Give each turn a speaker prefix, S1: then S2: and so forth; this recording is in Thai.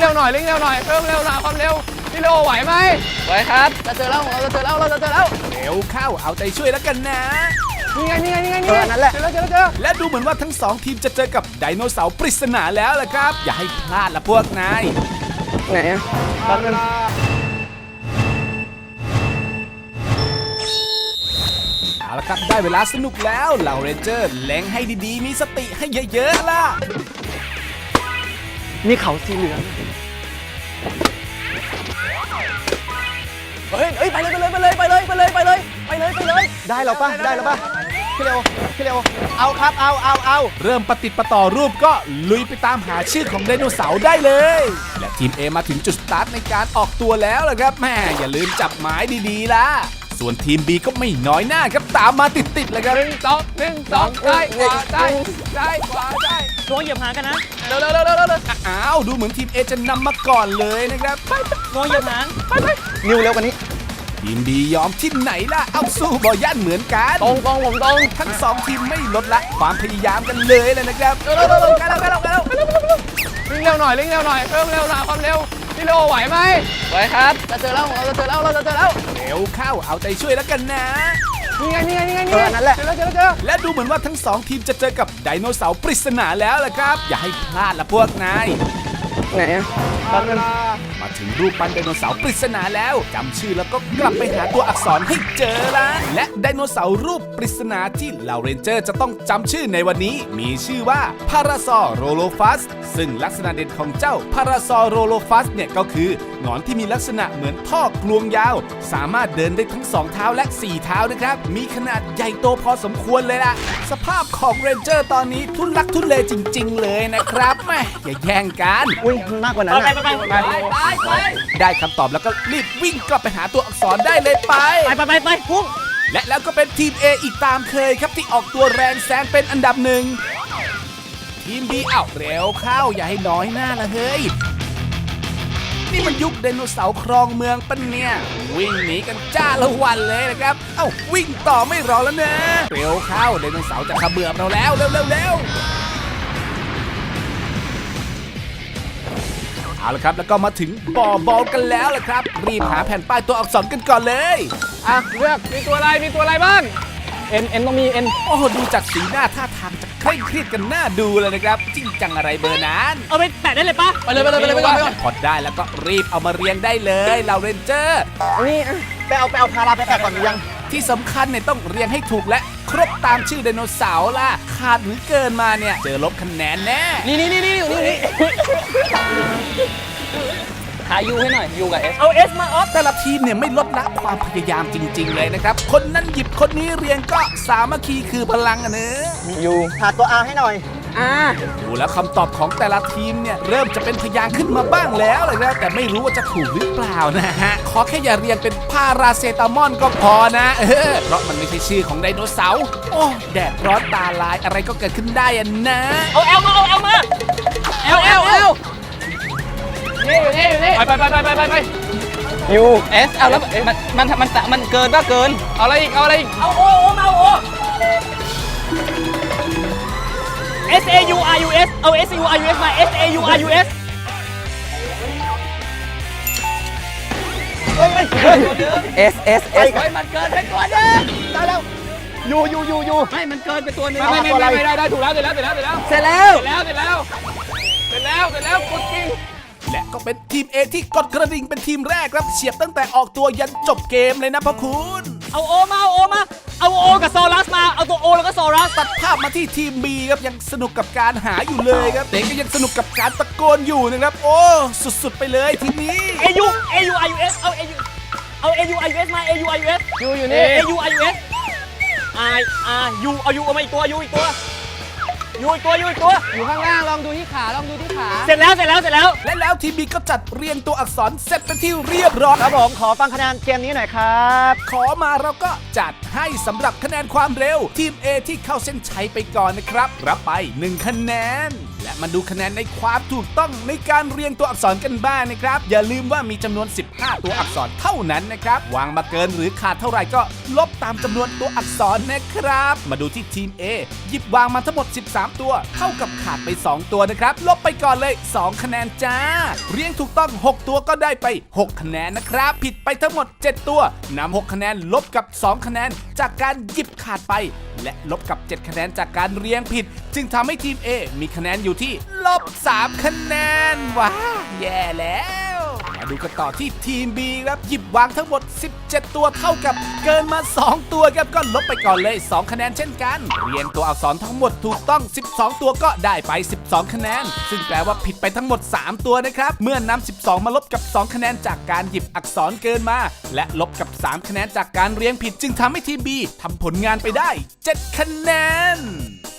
S1: ร็วหน่อยเร่งเร็วหน่อยเพิ่มเร็วหน่อยความเร็วพี่โลไหวไหมไหวครับจะเจอแล้วเราจะเจอแล้ว
S2: เร็วเข้าเอาใจช่วยแล้วกันนะ
S1: นี่ไงนั่นแหละเจอ
S2: และดูเหมือนว่าทั้งสองทีมจะเจอกับไดโนเสาร์ปริศนาแล้วล่ะครับอย่าให้พลาดละพวกนาย
S1: ไหนอะแป๊บนึง
S2: เอาละครับได้เวลาสนุกแล้วเหล่าเรนเจอร์เล็งให้ดีๆมีสติให้เยอะๆล่ะ
S1: นี่เขาสีเหลืองเฮ้ยไปเลยได้แล้วป่ะพี่เร็วเอาครับเอา
S2: เริ่มปฏิปต่อรูปก็ลุยไปตามหาชื่อของไดโนเสาร์ได้เลยและทีม A มาถึงจุดสตาร์ทในการออกตัวแล้วล่ะครับแม่อย่าลืมจับหมายดีๆล่ะส่วนทีม B ก็ไม่น้อยหน้าครับตามมาติดๆเลยครับ
S1: 1 2ซ้ายขวาซ้าย
S3: ตัวเหยียบหางกันนะ
S1: เร็ว
S2: อ้าวดูเหมือนทีม A จะนำมาก่อนเลยนะครับ
S3: ตัวเหยียบหาง
S1: นิวเร็วกว่านี้
S2: ทีม B ยอมที่ไหนล่ะเอาสู้บอย่านเหมือนกัน
S1: ตรงผมตรง
S2: ทั้งสองทีมไม่ลดละความพยายามกันเลยนะครับ
S1: เร็ววิ่งเร็วหน่อยเพิ่มเร็วหน่อยความเร็วพี่โลไหวไหมไหวครับจะเจอแล้วเราจะเจอแล้ว
S2: เร็วเข้าเอาใจช่วยแล้วกันนะ
S1: นี่ไงนั่นแหละเจอ
S2: และดูเหมือนว่าทั้งสองทีมจะเจอกับไดโนเสาร์ปริศนาแล้วล่ะครับอย่าให้พลาดละพวกนาย
S1: ไหนอะแป๊บนึง
S2: มาถึงรูปปั้นไดโนเสาร์ปริศนาแล้วจำชื่อแล้วก็กลับไปหาตัวอักษรให้เจอละและไดโนเสาร์รูปปริศนาที่เหล่าเรนเจอร์จะต้องจำชื่อในวันนี้มีชื่อว่าพาราซอโรโลฟัสซึ่งลักษณะเด่นของเจ้าพาราซอโรโลฟัสเนี่ยก็คือหงอนที่มีลักษณะเหมือนท่อกลวงยาวสามารถเดินได้ทั้ง2เท้าและ4เท้านะครับมีขนาดใหญ่โตพอสมควรเลยล่ะสภาพของเรนเจอร์ตอนนี้ทุลักทุเลจริงๆเลยนะครับแม่อย่าแย่งกัน
S1: มากกว่านั้น
S3: ไป
S2: ได้คำตอบแล้วก็รีบวิ่งกลับไปหาตัวอักษรได้เลยไป
S3: พุ่ง
S2: และแล้วก็เป็นทีม A อีกตามเคยครับที่ออกตัวแรงแซงเป็นอันดับหนึ่งทีม B เร็วเข้าอย่าให้น้อยหน้าละเฮ้ยนี่มันยุคไดโนเสาร์ครองเมืองปะเนี่ยวิ่งหนีกันจ้าละวันเลยนะครับวิ่งต่อไม่รอแล้วนะเร็วเข้าไดโนเสาร์จะขมือบเราแล้วเร็วเอาละครับแล้วก็มาถึงบ่อบอลกันแล้วล่ะครับรีบหาแผ่นป้ายตัวอักษรกันก่อนเลย
S1: เลือกมีตัวอะไรบ้างเอ็นต้องมีเอ็น
S2: โอ้ดูจากสีหน้าท่าทางจะเคร่งเครียดกันหน้าดูเลยนะครับจริงจังอะไรเบอร์นั้น
S3: เอาไปแปะได้เลยปะ
S1: ไปเลยก่อน
S2: พอได้แล้วก็รีบเอามาเรียงได้เลยเราเรนเจอร์
S1: นี่ไปเอาพาราไปแปะก่อนหรือยัง
S2: ที่สำคัญเนี่ยต้องเรียงให้ถูกและครบตามชื่อไดโนเสาร์ล่ะขาดหรือเกินมาเนี่ยเจอลบคะแนนแน่
S1: นี่หายูให้หน่อยยูกับเอส
S3: เอาเอสมาออฟ
S2: แต่ละทีมเนี่ยไม่ลดละความพยายามจริงๆเลยนะครับคนนั้นหยิบคนนี้เรียงก็สามัคคีคือพลังเนอะ
S1: ยูหาตัวอาให้หน่อย
S2: ดูแล้วคำตอบของแต่ละทีมเนี่ยเริ่มจะเป็นพยางค์ขึ้นมาบ้างแล้วเลยนะแต่ไม่รู้ว่าจะถูกหรือเปล่านะฮะขอแค่อย่าเรียงเป็นพาราเซตามอลก็พอนะเพราะมันไม่ใช่ชื่อของไดโนเสาร์โอ้แดดร้อนตาลายอะไรก็เกิดขึ้นได้อะนะ
S3: เอาเอลมา
S1: เอลนี่ไปยูเอสเอาแล้วมันเกินป่ะเกินเอาอะไรอีก
S3: เอาโอมาโอ S A U R U S เอา S A U R U S มา S A U R U S
S1: มันเกินไปตัวนึงได้แล้วยู
S3: ไม่มันเกินไปตัวนึง
S1: ไม่ได้ถูกแล้วเสร็จแล้วกดกิ้ง
S2: และก็เป็นทีม A ที่กดกระดิ่งเป็นทีมแรกครับเฉียบตั้งแต่ออกตัวยันจบเกมเลยนะพ่อคุณ
S3: เอาโอกับโซลัสมาเอาตัวโอแล้วก็โซลัส
S2: ตัดภาพมาที่ทีม B ครับยังสนุกกับการหาอยู่เลยครับเด็กก็ยังสนุกกับการตะโกนอยู่นะครับโอ้สุดๆไปเลยทีนี้
S3: A U R U S เอา A U R U S มา A U R U S
S1: ยูอยู่นี่
S3: A U R U S U เอา U เอามาอีกตัวยูอีกตัว
S1: อยู่ข้างล่างลองดูที่ขา
S3: เสร็จแล้ว
S2: และแล้วทีม B ก็จัดเรียงตัวอักษรเสร็จเป็นที่เรียบร้อย
S1: ครับผมขอฟังคะแนนเกมนี้หน่อยครับ
S2: ขอมาเราก็จัดให้สำหรับคะแนนความเร็วทีม A ที่เข้าเส้นชัยไปก่อนนะครับรับไป1คะแนนและมาดูคะแนนในความถูกต้องในการเรียงตัวอักษรกันบ้างนะครับอย่าลืมว่ามีจำนวน 15 ตัวอักษรเท่านั้นนะครับวางมาเกินหรือขาดเท่าไหร่ก็ลบตามจำนวนตัวอักษรนะครับมาดูที่ทีม A หยิบวางมาทั้งหมด 13 ตัวเท่ากับขาดไป 2 ตัวนะครับลบไปก่อนเลย 2 คะแนนจ้าเรียงถูกต้อง 6 ตัวก็ได้ไป 6 คะแนนนะครับผิดไปทั้งหมด 7 ตัวนำ 6 คะแนนลบกับ 2 คะแนนจากการหยิบขาดไปและลบกับ 7 คะแนนจากการเรียงผิดจึงทำให้ทีม A มีคะแนนอยู่ที่ลบ 3 คะแนนว้าแย่แล้วมาดูกันต่อที่ทีม B ครับหยิบวางทั้งหมด 17 ตัวเท่ากับเกินมา 2 ตัวครับก็ลบไปก่อนเลย 2 คะแนนเช่นกันเรียงตัวอักษรทั้งหมดถูกต้อง 12 ตัวก็ได้ไป 12 คะแนนซึ่งแปลว่าผิดไปทั้งหมด 3 ตัวนะครับเมื่อนำ 12 มาลบกับ 2 คะแนนจากการหยิบอักษรเกินมาและลบกับ 3 คะแนนจากการเรียงผิดจึงทำให้ทีม B ทำผลงานไปได้ 7 คะแนน